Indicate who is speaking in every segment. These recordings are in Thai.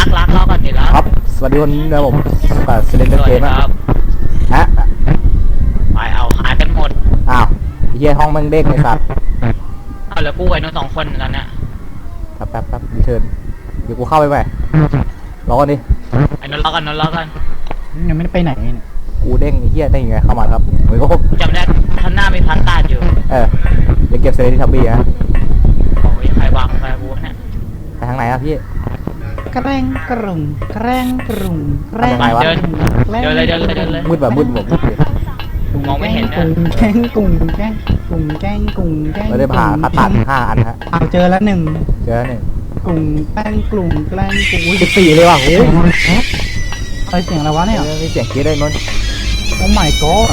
Speaker 1: รักรอก่อนดิรัก
Speaker 2: ครับสวัสดีคนนี้นะผมกับเซเลนเดอร์เกม
Speaker 1: ครับ
Speaker 2: ฮะ
Speaker 1: ไปเอาหายกันหมด
Speaker 2: อ้าวเฮียห้องมันเด้งเลยสัตว์
Speaker 1: เอาแล้วกูไอ้นู้น2 คนตอนเนี้ย
Speaker 2: แป๊บรีเทิร์นเดี๋ยวกูเข้าไปใหม่รอก่อนดิ
Speaker 1: ไอ้นู้นรอกันนู้นรอกัน
Speaker 3: ยังไม่ได้ไปไหนเนี่ย
Speaker 2: กูเด้งไอ้เฮียได้ยังไงเข้ามาครับเหมือนก็
Speaker 1: จำได้ข้างหน้ามีพันตาอยู่
Speaker 2: เดี๋ยวเก็บเซเลนที่ทับบี้ฮะ
Speaker 1: โอ้ยใครวางไฟกูเนี่ย
Speaker 2: ไปทางไหนครับพี่
Speaker 3: แกล้งกรุ่งแกล้งกรุ่งแกล้ง
Speaker 2: ทำไมวะ
Speaker 1: เดินเลย
Speaker 2: มืดแบบมืดเลย
Speaker 1: มองไม่เห็นนะ
Speaker 3: แกล้งกุ่งแกล้งกุ่งแกล้งกุ่งแกล้ง
Speaker 2: ไม่ได้ผ่าคัดตัด5 อันฮะ
Speaker 3: เอาเจอแล้วหนึ่ง
Speaker 2: เจอหนึ่ง
Speaker 3: กุ่งแกล้งกลุ่งแกล้งกุ่ง
Speaker 2: 14เลยว่ะโอ้ย
Speaker 3: อะไรเสียงอะไรวะเนี่ย
Speaker 2: มีเสียงกรี๊ดได้นน
Speaker 3: โอ้ my god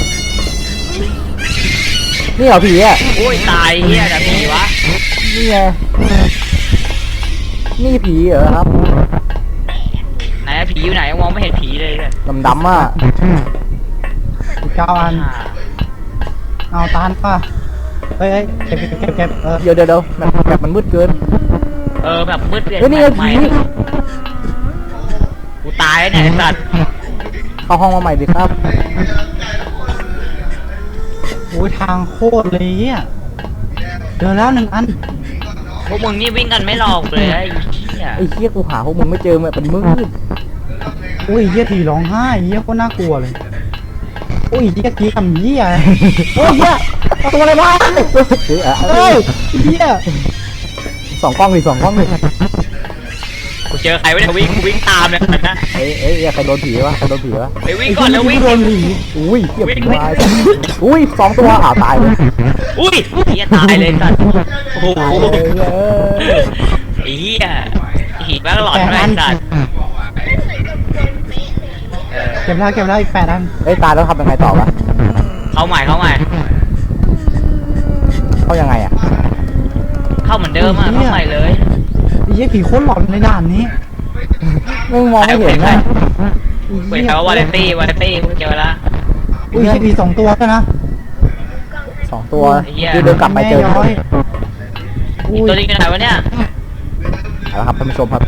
Speaker 2: นี่เหรอผีอ่ะ
Speaker 1: โอ้ยตายเฮียแต่ผีวะ
Speaker 2: นี่ไงนี่ผีเหรอครับ
Speaker 1: ไหนอะผีอยู่ไหนมองไม่เห็นผีเลยเนี่ย
Speaker 2: ดำๆอ่ะ
Speaker 3: อีก9 อันเอาตานป่ะเฮ้ยเก็บ
Speaker 2: เดี๋ยวแบบมันมืดเกิน
Speaker 1: แบบมืดเปลี่ยน
Speaker 2: เฮ้ยนี่ไง
Speaker 1: ใหม่
Speaker 2: ผี
Speaker 1: กูตายแล้วเนี่ยไอ้สัตว์
Speaker 2: เข้าห้องมาใหม่ดิครับ
Speaker 3: โอ้ยทางโคตรเลยอ่ะเจอแล้ว1 อัน
Speaker 1: พวกมึงนี่วิ่งกันไม่หลอกเลยไอ้เหี้ย
Speaker 2: ไอ้เหี้ยกูหาพวกมึงไม่เจอมันมืด
Speaker 3: อุ้ยเหี้ยผีร้องไห้เหี้ยโคตรน่ากลัวเลยอุ้ยเหี้ยกี้ทำเหี้ยโอ้ยเหี้ยเอาตัวอะไรมา เฮ้ยเหี้ย
Speaker 2: สองกล้องดิ
Speaker 1: กูเจอใครวะเนี่ยวิ่งตามเนี่ยนะ
Speaker 2: เอ้ยใครโดนผีวะ
Speaker 1: ไปวิ่งก่อนแล้ววิ่ง
Speaker 3: โดนผี
Speaker 2: อุ้ยเหี้ย
Speaker 1: วิ่ง
Speaker 2: ตายอุ้ย2 ตัวตายเลย
Speaker 1: อุ้ยเฮียตายเลยสัตว์โอ้โห
Speaker 2: เอ้ย
Speaker 1: ไอ้เฮียหีบแม่งหลอนแม่งสัตว์
Speaker 3: เก็บแล้วอีก8 อัน
Speaker 2: เอ้ยตายแล้วทำยังไงต่อวะ
Speaker 1: เข้าใหม่
Speaker 2: เข้ายังไงอ่ะ
Speaker 1: เข้าเหมือนเดิมอ่ะเข้าใหม่เลย
Speaker 3: ไอ้เหี้ยผีโคตรหลอนในด่านนี้
Speaker 2: ไม่มองไม่เห็นนะ
Speaker 1: เว้ยแต่ว่าวาเลนตี้กูเจอละ
Speaker 3: อุ้ยเหี้ยผี2 ตัวด้วยนะ
Speaker 2: 2 ตัว
Speaker 1: ไอ้เหี้ย
Speaker 2: คือเดินกลับไปเจอ
Speaker 3: แม่ย้อย
Speaker 1: อีกตัวนี้อยู่ไหนวะเนี่ย
Speaker 2: เอาละครับท่านผู้ชมครับ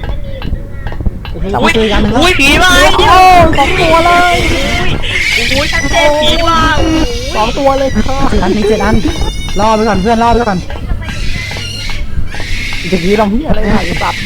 Speaker 1: อุ้ยอุ้ยผีมา
Speaker 2: โอ้2 ตัวเลย
Speaker 1: อุ้ยชัดเจนผีมา
Speaker 2: 2 ตัวเลยค่ะ
Speaker 3: 7 อัน7 อันรอไปก่อนเพื่อนรอไปก่อน
Speaker 2: จะกี้ลำพี่อะไรหายสัตว์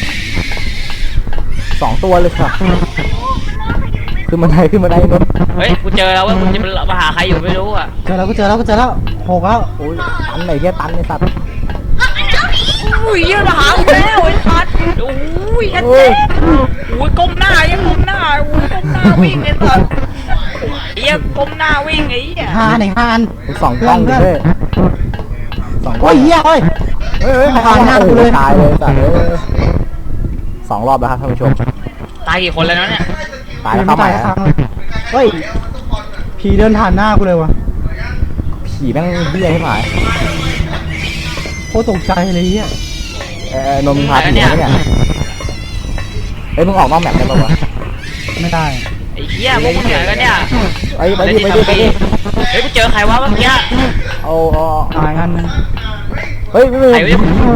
Speaker 2: 2 ตัวเลยค่ะขึ้นมาได้นน
Speaker 1: เฮ้ยกูเจอแล้วว่ามึงจะมาหาใครอยู่ไม่รู้อ่ะ
Speaker 3: เจอแล้ว6 แล้ว
Speaker 2: โอ้ยตันไหนเหี้ยตันไอ้สัตว์
Speaker 1: อุ้ยยืนมาหากูแล้วไอ้สัตว์อุ้ยชัดเจนอุ้ยก้มหน้าก้มหน้าวิ่งไอ้สัตว์เหี้ยก้มหน้าวิ่งไอ้เหี้ย
Speaker 3: 5 อัน
Speaker 2: 2 กล้องด้วย2 กล้
Speaker 3: โอ้
Speaker 2: อง
Speaker 3: ยเหี้ยเฮ้ย
Speaker 2: ผ่านหน้ากูเลย
Speaker 3: โอ้โห
Speaker 2: ตายเลยสัตว์2 รอบแล้วครับท่านผู้ชม
Speaker 1: ตายกี่คนแล้วเนี่ย
Speaker 2: ตายแล้วเข้าใหม่
Speaker 3: ค
Speaker 2: ฮะ
Speaker 3: รั้งเลยเฮ้ยผีเดินผ่านหน้ากูเลยวะ
Speaker 2: ผีแม่งเบี้ยให้หมาย
Speaker 3: โคตรตกใจเลยเหี้ย
Speaker 2: นมพาผีมาเนี่ยเอ้ยมึงออกนอกแมปได้ป่าวะ
Speaker 3: ไม่ได้
Speaker 1: ไอ้เหี้ยพวกมึงเหนื่อยกันเนี่ย
Speaker 2: ไปดิ
Speaker 1: เฮ้ยกูเจอใครวะเมื่อกี้
Speaker 2: เอา
Speaker 3: ตายอันนึง
Speaker 2: เฮ้ยไม่
Speaker 1: ใครวะ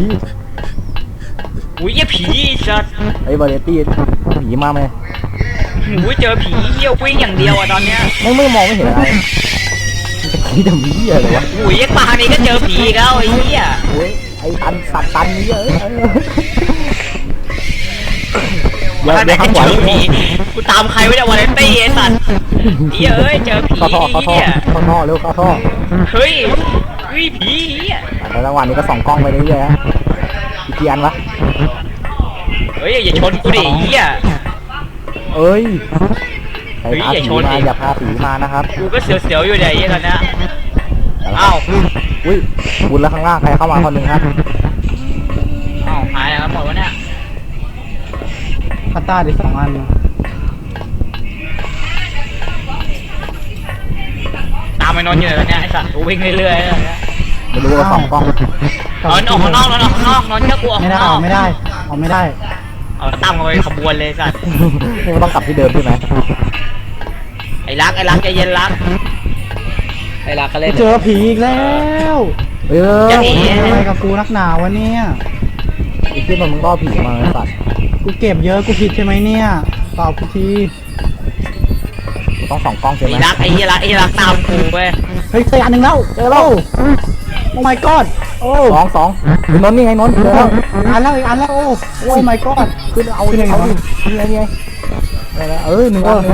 Speaker 1: อุ้ยเหี้ยผีสัตว์
Speaker 2: ไอ้วาเลตี้ผีมาไหม
Speaker 1: อุ้ยเจอผีเหี้ยวิ่งอย่างเดียวอะตอนเนี้ย
Speaker 2: ไม่มองไม่เห็นอะไรจะขี้ดำเหี้ยเลยวะ
Speaker 1: อุ้ยปานี้ก็เจอผีอีกแล้วไอ้เหี้ย
Speaker 2: โอ้ยไอ้ตันสัตว์ตันเยอะเดี๋ยว
Speaker 1: ท่านไหน
Speaker 2: ข้างข
Speaker 1: เจ
Speaker 2: วา
Speaker 1: อผีกูตามใครไว้เนี่ยวาเลนตี้ไอ้สัตว์เหี้ยเอ้ยเจอผี
Speaker 2: เข้าท่อเร็วเข้าท่อ
Speaker 1: เฮ้ยผีเหี้ย
Speaker 2: แต่ระหว่างนี้ก็ส่องกล้องไปเรื่อยๆฮะอีกกี่อันวะ
Speaker 1: เฮ้ยอย่าชนกูดิเหี้ย
Speaker 2: เอ้ยใคร
Speaker 1: เฮ้ย
Speaker 2: พา
Speaker 1: อย่า
Speaker 2: ผี
Speaker 1: ชน
Speaker 2: มา
Speaker 1: ดิ
Speaker 2: อย่าพาผีมานะครับ
Speaker 1: กูก็เสียวๆอยู่เนี่ยไอ้เหี้ยตอนเนี้ยเอ้า
Speaker 2: อุ้ยบุญแล้วข้างล่างใครเข้ามาคนหนึ่งครับ
Speaker 1: เอ้าหายแล้วหมดวะเนี่ย
Speaker 3: พัตตาได้2 อัน
Speaker 1: ตามไอ้นนท์อยู่เลยตอนเนี้ยไอ้สัตว์กูวิ่งเรื่อยๆเลย
Speaker 2: ไม่รู้ว่าส่องกล้อง
Speaker 1: นอนออกข้างนอกนอนออกข้างนอกนอนเชื่อกูออก
Speaker 3: ไม่
Speaker 1: ข้าง
Speaker 3: ได้
Speaker 1: นอก
Speaker 3: ไม่ได้ไม่ได้
Speaker 1: เอาตั้มกันไปขบวนเลยสัตว์
Speaker 2: นี่มันต้องกลับที่เดิมใช่ไหม
Speaker 1: ไอ้รักใจเย็นรักไอ้รักก็เล่น
Speaker 3: เจอผีอีกแล้ว
Speaker 2: เอ้ย
Speaker 1: จะหนี
Speaker 3: อะไรกับกูนักหนาวะเนี่ย
Speaker 2: ไอ้ที่มันมึงล่อผีมาไอ้สัตว์
Speaker 3: กูเก็บเยอะกูผิดใช่ไหมเนี่ยตอบกูที
Speaker 2: ต้องส่องกล้องใช่ไหม
Speaker 1: ไอ้รักไอ้เหี้ยรักตามกูเว้ย
Speaker 3: เฮ้ยเจออันหนึ่งแล้วเจอแล้วโอ้ my god โอ้
Speaker 2: สองนนท์นี่ไงนนท์เจอแล้ว
Speaker 3: อีกอันแล้วอีกอันแล้วโอ้ my god
Speaker 2: ขึ้นเอา
Speaker 3: ขึ้นยังไง
Speaker 2: เอา
Speaker 3: วะ
Speaker 2: ดินี่ไงอะไรนะหนึ่งอัน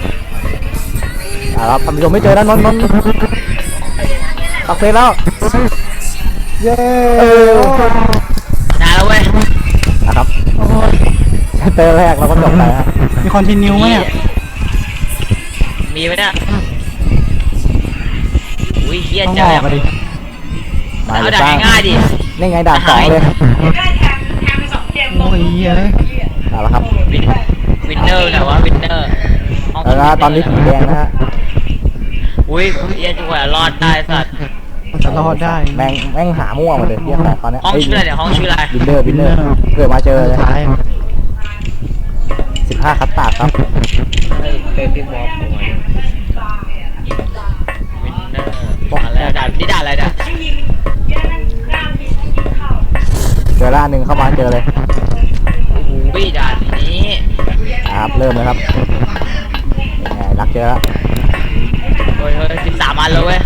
Speaker 2: ครับท่านผู้ชมไม่เจอแล้วนนท์ตักเสร็จแล้ว
Speaker 3: เย้
Speaker 1: นานแล้วเว้ย
Speaker 2: นะครับเจอแรกเราก็จบไปฮะ
Speaker 3: มีคอนติเนียไหมเนี่ย
Speaker 1: มีไหมเนี่ยอุ้ยเหี้ย
Speaker 3: ต้อง
Speaker 1: เจ
Speaker 3: อ
Speaker 1: อ
Speaker 3: อกอะดิ
Speaker 2: มา
Speaker 1: เอา
Speaker 2: เลย
Speaker 1: ด่า
Speaker 2: จ้าน
Speaker 1: ง่ายๆดิ
Speaker 2: นี่ไงด่านสองเลย
Speaker 3: โอ้ยเย้ย
Speaker 2: เอาละครับ
Speaker 1: วินเนอร์นะวะวินเนอร์
Speaker 2: แล้วตอนนี้ผีแดงนะฮะ
Speaker 1: อุ้ยเหี้ยจังหวะรอดได้สัตว์
Speaker 3: จะรอดได้
Speaker 2: แม่งหามั่วหมดเลยเรียกของตอนนี้
Speaker 1: ห้องชื่ออะไรเนี่ยห้องชื่ออะไร
Speaker 2: บินเนอร์เกิดมาเจอเลย
Speaker 3: ท้าย
Speaker 2: 15คัตตาร์ดครับ
Speaker 1: วินเนอร์มาแล้วด่านนี่ด่านอะไรเนี่ย
Speaker 2: เจอละหนึ่งเข้ามาเจอเลย
Speaker 1: อุ้ยด่านนี้
Speaker 2: ครับเริ่มเลยครับยังไงรักเจอละ
Speaker 1: เฮ้ย13 อันแล้วเว้ย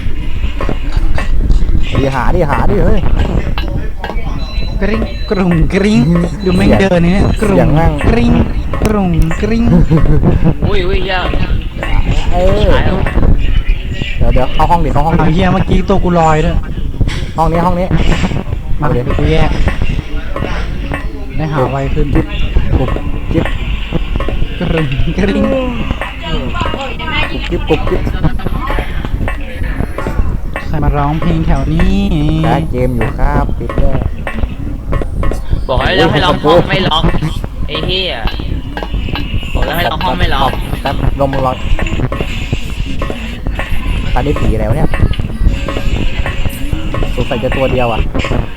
Speaker 2: หาดิเฮ้ย
Speaker 3: กริ๊งกรุงกริ๊งดูแม่งเดินเนี่ยกรุ
Speaker 2: เสีย
Speaker 3: ง
Speaker 2: งแม่ง
Speaker 3: กริ๊งกรุงกริ๊ง
Speaker 1: อุ้ยเหี้ย
Speaker 2: เดี๋ยวเข้าห้องดิเข้าห้อง
Speaker 3: เอา
Speaker 2: ดิ
Speaker 3: เฮียเมื่อกี้ตัวกูลอยด้วย
Speaker 2: ห้องนี้
Speaker 3: มา
Speaker 2: เอาเลย
Speaker 3: เดี๋ยวกูแยกได้หาไวขึ้น
Speaker 2: กุบจิ๊บ
Speaker 3: กรุงกริ๊ง
Speaker 2: กุบจิ๊บ
Speaker 3: ใครมาร้องเพลงแถวนี้
Speaker 2: แคสเกมอยู่ครับปิดเลย
Speaker 1: บอกให้เราให้ล็อกห้องไม่ล็อกไอ้เหี้ยบอกแล้วให้ล็อกห้องไม่ล็อก
Speaker 2: แป๊บลมร้อนตอนนี้ผีอะไรวะเนี่ยสงสัยจะตัวเดียวอ่ะ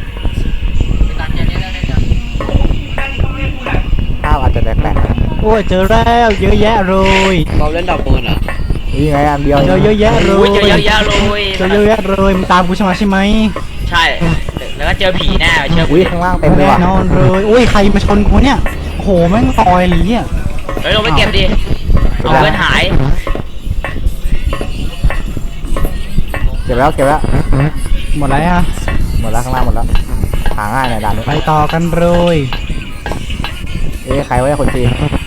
Speaker 2: ภาพอาจจะแปลก
Speaker 3: โอ้ยเจอแล้วเยอะแยะเลย
Speaker 4: เราเล่นดอกมูลอ่ะ
Speaker 2: ๆนี่ไงอันเดียว
Speaker 3: เจอเยอะแยะเล
Speaker 1: อุ้ย
Speaker 3: ย
Speaker 1: เจอเยอะแยะเลย
Speaker 3: เจอเยอะแยะเลยมึงตามกูใช่ไหมใช่ไหม
Speaker 1: ใช่ แล้วก็เจอผีแน่เชื่อกู
Speaker 2: อุ้ยข้างล่างเต็มเลย
Speaker 3: แน่
Speaker 2: ว่ะ
Speaker 3: นอนเลยอุ้ยใครมาชนกูเนี่ยโอ้โหแม่งลอยเลยเนี่ย
Speaker 1: เฮ้ยลงไปเก็บดิเอาเพื่อนหาย
Speaker 2: เก็บแล้ว
Speaker 3: หมดแล้วฮะ
Speaker 2: หมดแล้วข้างล่างหมดแล้วหาง่ายหน่อยด่านนี้
Speaker 3: ไปต่อกันเลย
Speaker 2: ใครไว้คนจีน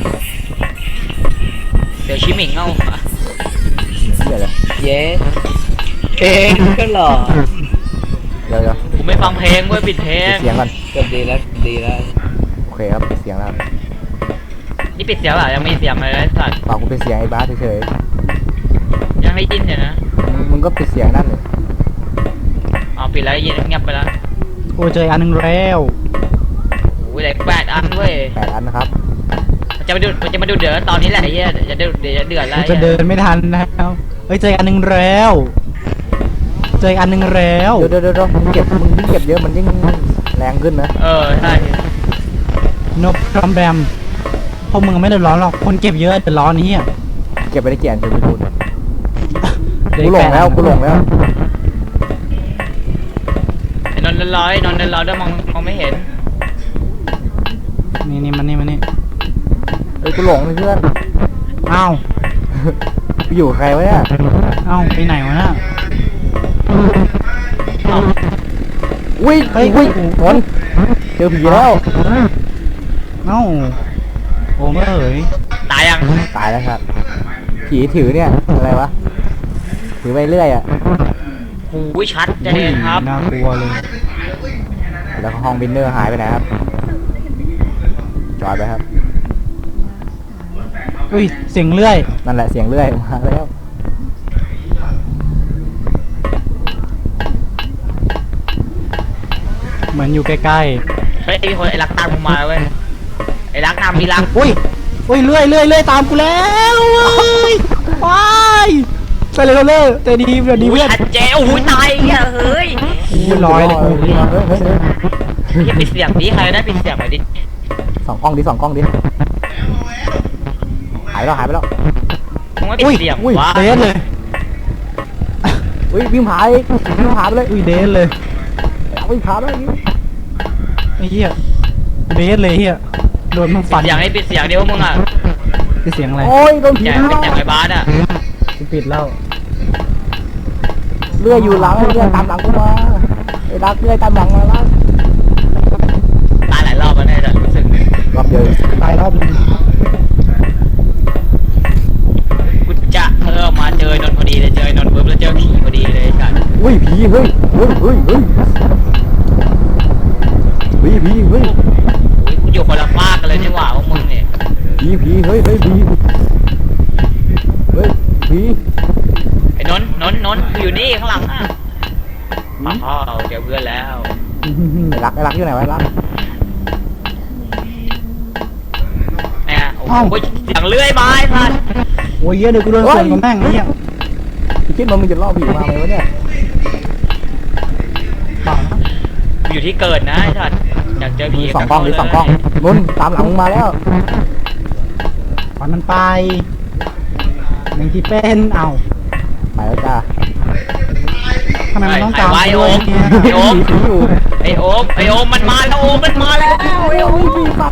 Speaker 1: เดี๋ยวชิมิงเอา
Speaker 2: เดี๋ยว
Speaker 4: เย้เองก็หล่อ
Speaker 2: เดี๋ยว
Speaker 1: กูไม่ฟังเพลงเว้ยปิดเพล
Speaker 2: ปิ
Speaker 1: ง
Speaker 2: ดเสียงก่อน
Speaker 4: ก็ดีแล้วดีแล้ว
Speaker 2: โอเคครับปิดเสียงแล้ว
Speaker 1: นี่ปิดเสียงเปล่ายังมีเสียงเลยไอ้สัตว์
Speaker 2: ฝากกูปิดเสียงไอ้บ้าสเฉย
Speaker 1: ยังได้ยินอยู่นะ
Speaker 2: ๆมึงก็ปิดเสียงนั่นเลย
Speaker 1: เอาปิดแล้วยินเงียบไปแล้ว
Speaker 3: กูเจออีกอันหนึงแล้ว
Speaker 1: โอ้ยเหลือ8 อันเว้ย
Speaker 2: 8 อันนะครับ
Speaker 1: มันจะมาดูเดือดตอนนี้แหละไอ้เหี้ยเดี๋ยวจะเดือดแล้ว
Speaker 3: กูจะเดินไม่ทันแล้วเฮ้ยเจออีกอันหนึงแล้วเจออีกอันหนึงแล้ว
Speaker 2: เดี๋ยวมึงเก็บเยอะมันยิ่งแรงขึ้นนะ
Speaker 1: ใช่
Speaker 3: นบกรอมแบมพวกมึงไม่เดือดร้อนหรอกคนเก็บเยอะเดือดร้อนนี่
Speaker 2: เก็บไปได้กี่อันจะไปดู
Speaker 3: เด็
Speaker 2: กูหลงแล้ว
Speaker 1: ไอ้นนท์ร้อยด้วยมองไม่เห็น
Speaker 3: นี่มันนี่
Speaker 2: เฮ้ยกูหลงเลยเพื่อน
Speaker 3: อ้าว
Speaker 2: กูอยู่กับใครวะเนี่ย
Speaker 3: อ้าวไปไหนวะน่ะ
Speaker 2: อุ้ยนนเจอผีแล้ว
Speaker 3: เอ้าโอ้เอ๋ย
Speaker 1: ตายยัง
Speaker 2: ตายแล้วครับผีถือเนี่ยอะไรวะถือไปเรื่อยอ่ะ
Speaker 1: หูยชัดเจนครับ
Speaker 3: น่ากลัวเลย
Speaker 2: แล้วก็ห้องวินเนอร์หายไปไหนครับจอดไปครับ
Speaker 3: อุ้ยเสียงเลื่อย
Speaker 2: นั่นแหละเสียงเรื่อยมาแล้ว
Speaker 3: เหมือนอยู่ใกล้
Speaker 1: เฮ้ยไอ้คนไอ้รักตามกูมาเว้ยไอ้รักตามมีรัก
Speaker 3: ๆอุ้ยเลื่อยตามกูแล้วเว้ยไปไปเลยแต่ดีเดี๋ยวดี
Speaker 1: อุ้ย
Speaker 3: เพื่อน
Speaker 1: ชัดเจนโอ้ยตายเหี้ยเฮ้ย
Speaker 3: ลอยเลย
Speaker 1: อย่าปิดเสียงดิใครได้ปิดเสียงหน่อยดิ
Speaker 2: สองกล้องดิหายไปแล้ว
Speaker 1: มึงไม่ปิดเสียงวะ
Speaker 3: เดนเลย
Speaker 2: อุ้ยวิ่งผาไปเลย
Speaker 3: อุ้ยเดนเลย
Speaker 2: วิ่งผาไปเลย
Speaker 3: ไอ้เหี้ยเดนเลยเหี้ยโดนมันฟัน
Speaker 1: เสียงให้ปิดเสียงเดียวมึงอ่ะ
Speaker 3: คือเสียงอะไร
Speaker 2: โอ้ยโดนผี
Speaker 1: อย่า
Speaker 2: เข้า
Speaker 1: เป็นอย่างไอ้บาสอ่ะ
Speaker 3: ปิดแล้ว
Speaker 2: เลื่อยอยู่หลังเลื่อยตามหลังกูมาไอ้รักเลื่อยตามหลังมาแล้ว
Speaker 1: ตายหลายรอบแล้วเนี่ยแต่รู้สึก
Speaker 2: รอบเดียว
Speaker 3: ตายรอบนึง
Speaker 1: กูจะมาเจอนนท์พอดีเลยเจอนนท์ปุ๊บแล้วเจอผีพอดีเลยกัน
Speaker 2: อุ้ยผีเฮ้ยเฮ้ยเฮ้ยเฮ้ยผีเฮ้ย
Speaker 1: อุ้ยกูอยู่คนละฟากกันเลยนี่หว่าพวกมึงเนี่ย
Speaker 2: ผีเฮ้ยเฮ้ยผีเฮ้ยผี
Speaker 1: ไอ้นนท์กูอยู่นี่ข้างหลังอ่ะอ๋อเจอเพื่อนแล้ว
Speaker 2: ไอ้รักอยู่ไหนวะไอ้รัก
Speaker 1: เนี่ยโอ้โหเสียงเลื่อยไม้พัน
Speaker 3: โอ้ยเหี้ยเดี๋ยวกูโดนส่วนกับแม่งเนี่ย
Speaker 2: พี่คิดว่ามึงจะล่อผีมาไหมวะเนี่ย
Speaker 3: เปล่านะ
Speaker 1: กูอยู่ที่เกิดนะไอ้สัตว์อยากเจอผี
Speaker 2: สองกล้องหรือสองกล้องนุ่นตามหลังมึงมาแล้ว
Speaker 3: ปล่อยมันไปหนึ่งที่เป็นเอ้า
Speaker 2: ไปแล้วจ้า
Speaker 3: ทำไมมันต้องตาม
Speaker 1: ไอ้
Speaker 3: ด้
Speaker 1: โอ
Speaker 3: วย
Speaker 1: ม
Speaker 3: เนี่ย
Speaker 1: ไอ้โอม
Speaker 2: ผีอยู่
Speaker 1: ไอโอมมันมาแล้วโอมมันมาแล้ว
Speaker 2: โอ้ยผีปัด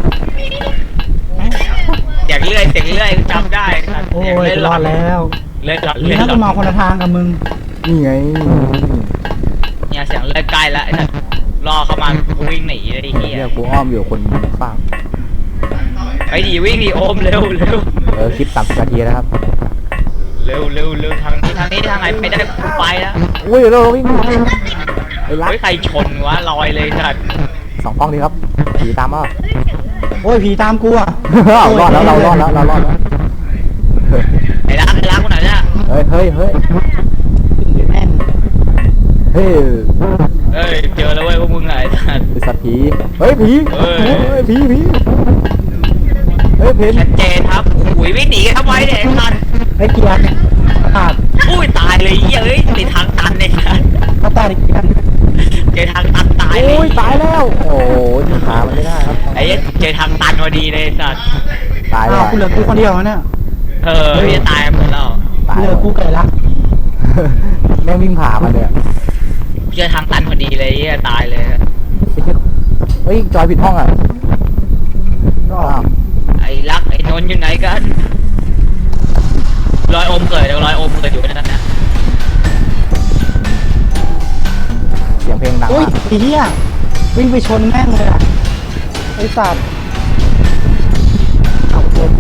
Speaker 1: เสียงเลื่อยจำได้ครับ
Speaker 3: โอ้ยรอดแล้ว
Speaker 1: เลื่อยหลอด
Speaker 3: นี่
Speaker 1: เลื่อย
Speaker 3: ถ้า
Speaker 1: หล
Speaker 3: กู
Speaker 1: อด
Speaker 3: มาคนละทางกับมึง
Speaker 2: นี่ไง
Speaker 1: เนี่ยเสียงเลื่อยใกล้แล้วไอ้สัตว์รอเข้ามากูวิ่งหนีเลยไอ้เหี้ย
Speaker 2: เนี่ยกูอ้อมอยู่คนฟัง
Speaker 1: ไปดิวิ่งดิโอมเร็ว
Speaker 2: คลิป30 นาทีนะครับ
Speaker 1: เร็วทางนี้ทางไหนไปได้กูไปแล้ว
Speaker 2: อุ้ยเราวิ่งไอ้รัก
Speaker 1: เฮ้ยใครชนวะลอยเลยสัตว์
Speaker 2: สองกล้องดีครับผีตามมา
Speaker 3: โอ้ยผีตามกูอ่ะ
Speaker 2: รอดแล้วเรารอดแล้วเรารอดแล้ว
Speaker 1: ไอ้รักคนไหนเนี่ย
Speaker 2: เฮ้ยเฮ้ยเฮ้ย
Speaker 3: แม่น
Speaker 2: เฮ้ย
Speaker 1: เอ้ยเจอแล้วเว้ยพวกมึงไงไอ้สัตว์
Speaker 2: ไอสัตว์ผีเฮ้ยผี
Speaker 1: เฮ้ย
Speaker 2: เฮ้ยผีเฮ้ยเพน
Speaker 1: ชัดเจนครับอุ้ยวิ่งหนีกันทำไมเนี่ยไอ้สัตว์
Speaker 3: ไอ้เกียร์เนี่ยขาด
Speaker 1: อุ้ยตายเลยเหี้ยเอ้ยติดทางตันเนี่ยสัตว์
Speaker 3: เขาตายอีกเกียร์
Speaker 1: เจอทางตันตายเลย
Speaker 2: โอ้ยตายแล้ว โอ้ยที่ขามันไม่ได้ครับ
Speaker 1: ไอ้เหี้ยเจอทางตันพอดีเลยสัตว์
Speaker 2: ตายแล้
Speaker 3: อ้าว วกูเหลือกูคนเดียวแล้วเนี่ย
Speaker 1: พี่จะตายหมดแล้ว
Speaker 2: ตาย
Speaker 3: เหลือกูไก่ละ
Speaker 2: แม่งวิ่งผ่ามันเนี่ย
Speaker 1: เจอทางตันพอดีเลยเหี้ยตายเลย
Speaker 2: เฮ้ยจอยผิดห้องอ่ะ
Speaker 3: ก็
Speaker 2: อ้าว
Speaker 1: ไอ้รักไอ้นนท์อยู่ไหนกันรอยอมเกิดรอยอมเกิดอยู่นั่นนะ
Speaker 2: เสียงเพลงดัง
Speaker 3: อุ้ย
Speaker 2: มาก
Speaker 3: ไอ้เหี้ยวิ่งไปชนแม่งเลยอ่ะไอ้สัตว์เอาเกิน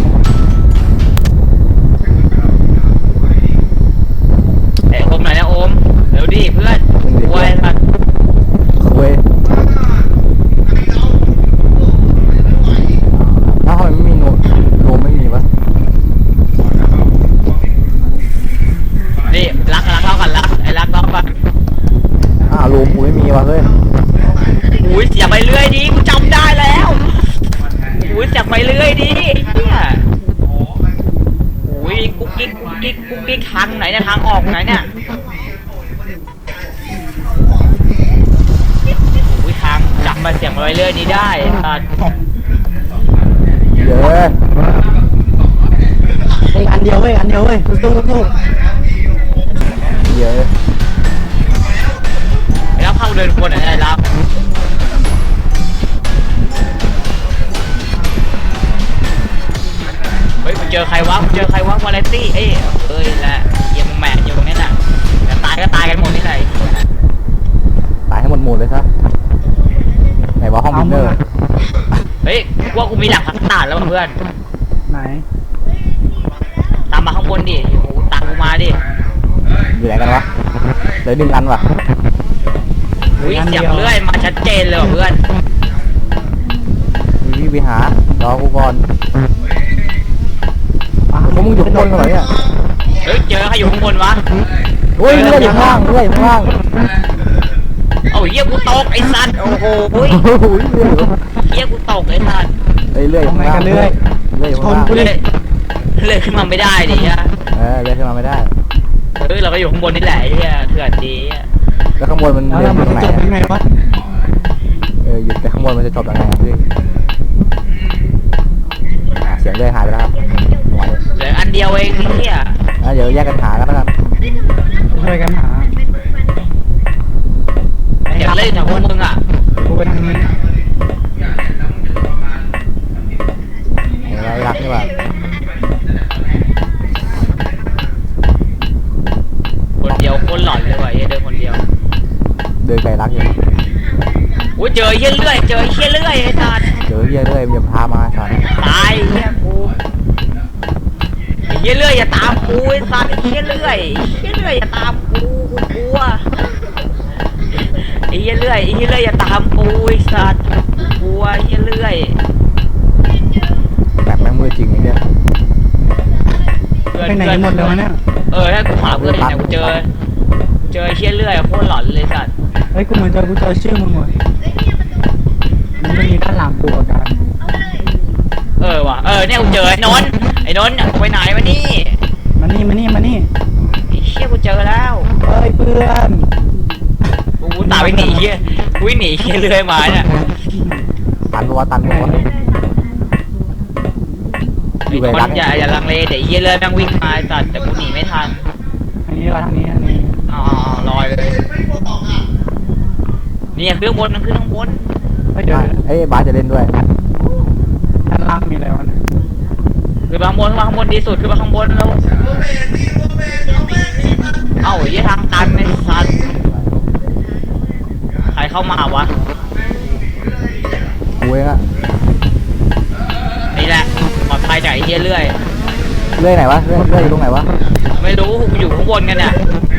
Speaker 1: ไอ้โอมไหนนะโอมเร็วดิเพื่อนวัยสัตว์
Speaker 2: เว้ยถ้าทำไมไม่มีโนมไม่มีวะ
Speaker 1: นี่รักเท่ากันรักไอ้รักเท่ากัน
Speaker 2: โรมกูไม่มีวะเฮ้ย
Speaker 1: อุ้ยเสียงไปเรื่อยดิกูจำได้แล้วอุ้ยเสียงไปเรื่อยดิเนี่ยอุ้ยกุ๊กกิ๊กทางไหนเนี่ยทางออกไหนเนี่ยอุ้ยทางจำมาเสียงไปเรื่อยนี้ได้สัตว์
Speaker 2: เดี๋ยว
Speaker 3: ไอ้อันเดียวเว้ยสู้
Speaker 2: เดี๋ยว
Speaker 1: ไอ้รับเข้าเดินคนไหนไอ้รับเฮ้ยกูเจอใครวะวาเลนตี้เอ้ยแหละเยี่ยมแม่อยู่ตรงนี้น่ะแต่ตายก็ตายกันหมดนี่แหละ
Speaker 2: ตายให้หมดเลยซะไหนวะห้องวินเนอร์
Speaker 1: เฮ้ยว่ากูมีหลักฐานแล้วเพื่อน
Speaker 3: ไหน
Speaker 1: ตามมาข้างบนดิโอ้โหตามกูมาดิ
Speaker 2: อยู่ไหนกันวะเหลือ1 อันวะ
Speaker 1: อุ้ยเสียงเลื่อยมาชัดเจนเลยว่ะเพื่อน
Speaker 2: มีวิหารอกูก่อนพวกมึงอยู่ข้างบนกันเหรอเนี่ย
Speaker 1: เฮ้ยเจอใครอยู่ข้างบนวะ
Speaker 2: เฮ้ยเลื่อยอยู่ข้างล่างเลื่อยอยู่ข้างล่าง
Speaker 1: เอ้าเหี้ยกูตกไอ้สัตว์โอ้โหอุ้ย
Speaker 2: โอ้โหเลื่อยอยู่
Speaker 1: เหี้ยกูตกไอ้สัตว์
Speaker 2: เฮ้ยเลื่อยอยู่ข้างล่างเลื่อยอยู่ข้างล่าง
Speaker 1: เลื่อยขึ้นมาไม่ได้ดิฮะ
Speaker 2: เลื่อยขึ้นมาไม่ได้
Speaker 1: เฮ้ยเราก็อยู่ข้างบนนี่แหละไอ้เหี้ยเถื่อนดีอะ
Speaker 2: แล้วข้างบนมัน
Speaker 3: แล้ว
Speaker 2: เลื่อยอ
Speaker 3: มัน
Speaker 2: ยู่ตรงไหน
Speaker 3: จะจบยังไงวะ
Speaker 2: หยุดแต่ข้างบนมันจะจบยังไงพี่เสียงเลื่อยหายไปแล้วครับ
Speaker 1: เหลืออันเดียวเองไอ้เหี้ย
Speaker 2: เดี๋ยวแยกกันหากันนะครับ
Speaker 3: ช่วยกันหา
Speaker 1: เห็นเล่นแถวพวกมึงอ่ะ
Speaker 3: กูไปทางนี้
Speaker 2: นี่ว่า
Speaker 1: คนเดียวคนหลอนเลยว่ะเหี้ยเดินคนเดียว
Speaker 2: เดินไกลรักอยู่
Speaker 1: อุ้ยเจอเหี้ยเลื่อยเจอเหี้ยเลื่อยไอ้สัตว์
Speaker 2: เจอเหี้ยเรื่อยมันจะพามาสัตว์
Speaker 1: ตายเหี้ยกูไอ้เหี้ยเลื่อยอย่าตามกูไอ้สัตว์ไอ้เหี้ยเลื่อยอย่าตามกูกลัวไอ้เหี้ยเลื่อยอย่าตามกูไอ้สัตว์กลัวไอ้เหี้ยเลื่อย
Speaker 2: แบบแม่งมือจริงไอ้เนี่ย
Speaker 3: ไปไหนกันหมดเลยวะเนี่ย
Speaker 1: ถ้ากูหาเพื่อนเนี่ยกูเจอไอ้เหี้ยเลื่อยโคตรหลอนเลยสัตว์
Speaker 3: เฮ้ยกูเหมือนกูเจอชื่อมึงว่ะมันจะมีด้านหลังกูอาการ
Speaker 1: ว่ะเนี่ยกูเจอไอ้นนท์ไปไหนวะนี่
Speaker 3: มานี่
Speaker 1: ไอ้เชี่ยกูเจอแล้ว
Speaker 3: เฮ้ยเพื่อน
Speaker 1: กูตามไปหนีเหี้ยกูหนีเหี้ยเลื่อยมาเนี่ย
Speaker 2: ตันปะวะตันปะวะ
Speaker 1: ไอ้คนอย่าลังเลเดี๋ยวเหี้ยเลื่อยแม่งวิ่งมาตัดแต่กูหนีไม่ทัน
Speaker 3: ทางนี้วะทางนี้
Speaker 1: อ๋อลอยเลยเนี่ยขึ้นข้างบนขึ้นข้างบน
Speaker 3: เฮ้ยเดี๋ยว
Speaker 2: เอ้ยบาสจะเล่นด้วย
Speaker 3: ด้านล่างมีอะไรวะเนี่ย
Speaker 1: ขึ้นมาข้างบนดีสุดขึ้นมาข้างบนแล้วเอ้าไอ้เหี้ยทางตันไอ้สัตว์ใครเข้ามาวะ
Speaker 2: กูเองอะ
Speaker 1: นี่แหละปลอดภัยจากไอ้เหี้ยเลื่อย
Speaker 2: เรื่อยไหนวะเรื่อยอยู่ตรงไหนวะ
Speaker 1: ไม่รู้กูอยู่ข้างบนกันเนี่ย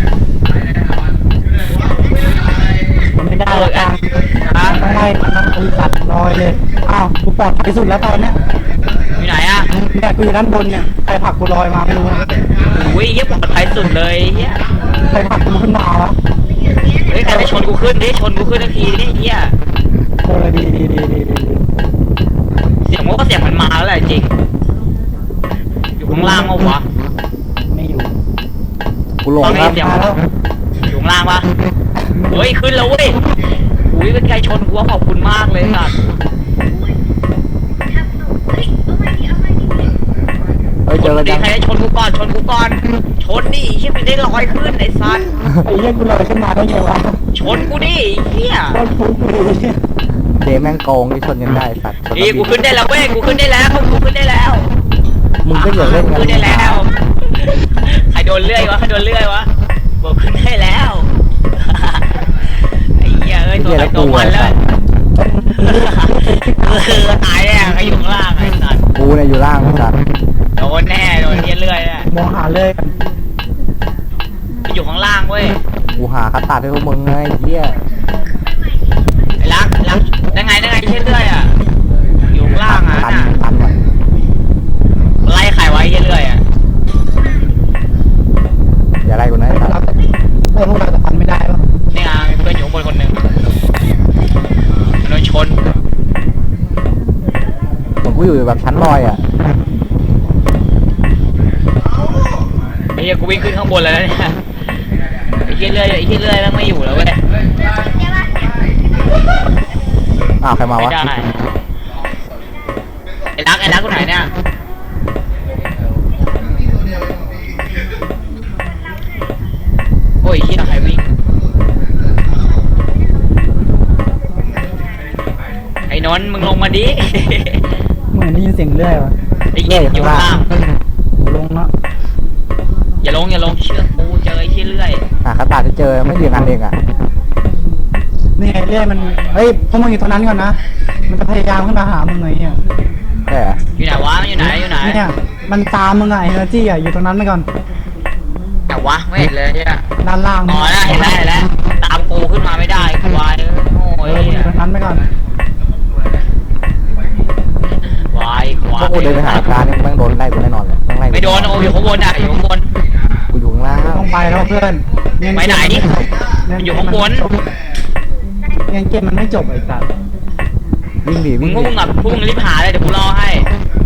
Speaker 3: มันไม่ได้ละกัน
Speaker 1: ฮะ
Speaker 3: ต้องไล่มันต้องตีตัดลอยเลยอ้าวกูปลอดภัยสุดแล้วตอนเนี้ย
Speaker 1: อยู่ไหนอะ
Speaker 3: เนี่ยกูอยู่ด้านบนเนี่ยใครผลักกูลอยมาไม่รู้นะ
Speaker 1: อุ้ยเหี้ยปลอดภัยสุดเลยเหี้ย
Speaker 3: ใครผลักกูขึ้นมาวะ
Speaker 1: เฮ้ยใครไปชนกูขึ้นดิชนกูขึ้นทันทีดิเหี้ย
Speaker 3: ดี
Speaker 1: เสียงมันก็เสียงมันมาแล้วแหละจริงอยู่ข้างล่างมั้งวะ
Speaker 3: ไม่อยู่
Speaker 2: กูหลงครับ
Speaker 1: เดี๋ยว
Speaker 3: มาแล้ว
Speaker 1: อยู่ข้างล่างปะเฮ้ยขึ้นแล้วเว้ยอุ้ยเป็นไกลชนกูว่าขอบคุณมากเลยสัตว์
Speaker 2: เฮ้ย
Speaker 1: ช
Speaker 2: เจอน กัน
Speaker 1: ดิ
Speaker 2: ยัง
Speaker 1: ใครได้ชนกูก่อนชนดิเหี้ยมันได้ลอยขึ้นไอ้สัตว์
Speaker 3: ไอ้เหี้ยกูลอยขึ้นมาได้ไงวะ
Speaker 1: ชนกูดิเหี้ย
Speaker 3: โคตรฟุ้งเลยเนี่ย
Speaker 2: เดแม่งโกงที่ชนกันได้สัตว์ชน
Speaker 1: นี่กูขึ้นได้แล้วเว้ยกูขึ้นได้แล้วกูขึ้นได้แล้ว
Speaker 2: มึงก็อย่าเล่นกัน
Speaker 1: ขึ้นได้แล้วใครโดนเลื่อยวะบอกขึ้นได้แล้วไอ้เหี้ยตัวใครตัวมันเลยตายแน่ใครอยู่ข้างล่างไอ้สัตว์
Speaker 2: กูเนี่ยอยู่ล่างสัตว์
Speaker 1: โดนแน่โดนเหี้ยเลื่อยอ่ะ
Speaker 3: มองหาเลยกัน
Speaker 1: อยู่ข้างล่างเว้ย
Speaker 2: กูหาคัตตาร์ดให้พวกมึงไงไอ้เหี้ย
Speaker 1: ไอ้รักได้ไงเหี้ยเลื่อยอ่ะอยู่ข้างล่างอ่ะ
Speaker 2: ตัน
Speaker 1: น่ะ
Speaker 2: ตันว่ะ
Speaker 1: ไล่ใครไว้เหี้ยเลื่อยอ่ะ
Speaker 2: อย่าไล่กูนะไอ้สัตว์
Speaker 3: พวกเราจะฟันไม่ได้ปะ
Speaker 1: นี่ไงเพื่อนอยู่ข้างบนคนหนึ่งโดนชน
Speaker 2: เหมือนกูอยู่แบบชั้นลอยอ่ะ
Speaker 1: ไอ้เหี้ยกูวิ่งขึ้นข้างบนแล้วเนี่ยไอ้เหี้ยเลื่อยแม่งไม่อยู่แล้วเว้ย
Speaker 2: อ้าวใครมา
Speaker 1: ไม่
Speaker 2: วะ
Speaker 1: ได้ไอ้รักกูไหนเนี่ยโอ้ยเหี้ยใครวิ่งไอ้นนท์มึงลงมาดิ
Speaker 3: เหมือนได้ยินเสียงเรื่อยวะ
Speaker 1: ไอ้เหี้ยอยู่ข้างล่าง
Speaker 3: ลงแล้ว
Speaker 1: อย่าลงเชื่อกูเจอไอ้เหี้ยเลื่อย
Speaker 2: หาคัตตาร์ดจะเจอไม่เรียงกันเองอ่ะ
Speaker 3: นี่ไงเรื่อยมันเฮ้ยพวกมึงอยู่ตรงนั้นก่อนนะมันจะพยายามขึ้นมาหามึงไงเนี่ย
Speaker 2: ใช่เหรอ
Speaker 1: อยู่ไหนวะอยู่ไหน
Speaker 3: เนี่ยมันตามมึงไงเอเนอร์จี้อ่ะอยู่ตรงนั้นไปก่อน
Speaker 1: แต่วะไม่เห็นเลยเนี่ย
Speaker 3: ด้านล่าง
Speaker 1: อ๋อแล้วเห็นแล้วตามกูขึ้นมาไม่ได้ควายโง่
Speaker 3: เออมึงอยู่ตรงนั้นไปก่อน
Speaker 1: ควายควา
Speaker 2: พวย กกูเดินไปหาการเนี่ยแม่งโดนไล่กูแน่นอนเลยต้องไล่
Speaker 1: ไม่โดนโอ้อยู่ข้างบนอยู่ข้างบน
Speaker 2: กูอยู่ข้างล่าง
Speaker 3: ต้องไปแล้วเพื่อน
Speaker 1: ไปไหนอยู่ข้างบน
Speaker 3: ยังเกมมันไม่จบไอ้สัส
Speaker 2: วิ่งดิ
Speaker 1: มึ
Speaker 2: วิ่
Speaker 1: ง
Speaker 2: ง
Speaker 1: พวก
Speaker 2: ดิ
Speaker 1: มึงอ่ะพวกมึงรีบหาเลยเดี๋ยวกูรอให้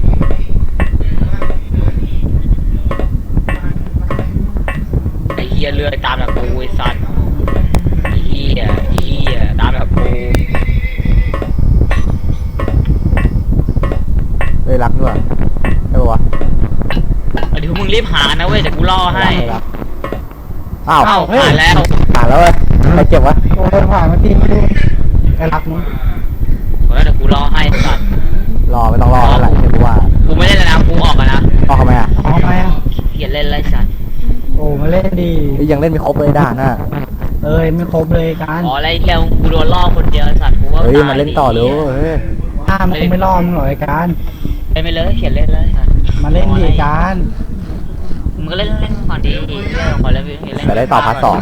Speaker 1: ไอ้เหี้ยเลื่อยตามแบบกูไอ้สัตว์ไอ้เหี้ยตามแบบกู
Speaker 2: เฮ้ยรักด้วยใช่ปะวะ
Speaker 1: เดี๋ยวมึงรีบหานะเว้ยเดี๋ยวกูรอให้
Speaker 2: รักอ้าว
Speaker 1: เอ้าหาแล้ว
Speaker 2: ผ่านแล้วเว้ยใครเจ็บวะ
Speaker 3: โอ้ยผ่านมาทีไม่รู้ไอ้รักมึง
Speaker 1: เดี๋ยวกูรอให้สัตว์
Speaker 2: รอไม่ต้องรอแล้วแหละเดี๋ยวกูว่า
Speaker 1: กูไม่ได้แล้วนะกู
Speaker 2: ยังเล่นไม่ครบเลยด่านน่ะ
Speaker 3: เอ้ยไม่ครบเลยการ
Speaker 1: อ๋ออะไรเที่ยวกูโดนล่อคนเดียวไอ้สัตว์กูว่า
Speaker 2: เฮ้ย
Speaker 1: ตย
Speaker 2: มาเล่นต่อเลยเฮ้ย
Speaker 3: ถ้ามันคงไม่รอมึงหรอกไอ้การ
Speaker 1: เล่นไปเลยเขียนเล่นเลยค่ะ
Speaker 3: มาเล่นดิการ
Speaker 1: มึงก็เล่นก่อนดีเที่ยวขอเล่นเล่น
Speaker 2: แต่ได้ต่อพาร์ท 2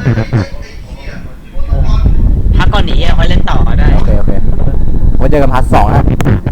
Speaker 1: พักก่อนหนีค่อยเล่นต่อได้
Speaker 2: โอเคไว้เจอกันพาร์ท 2นะ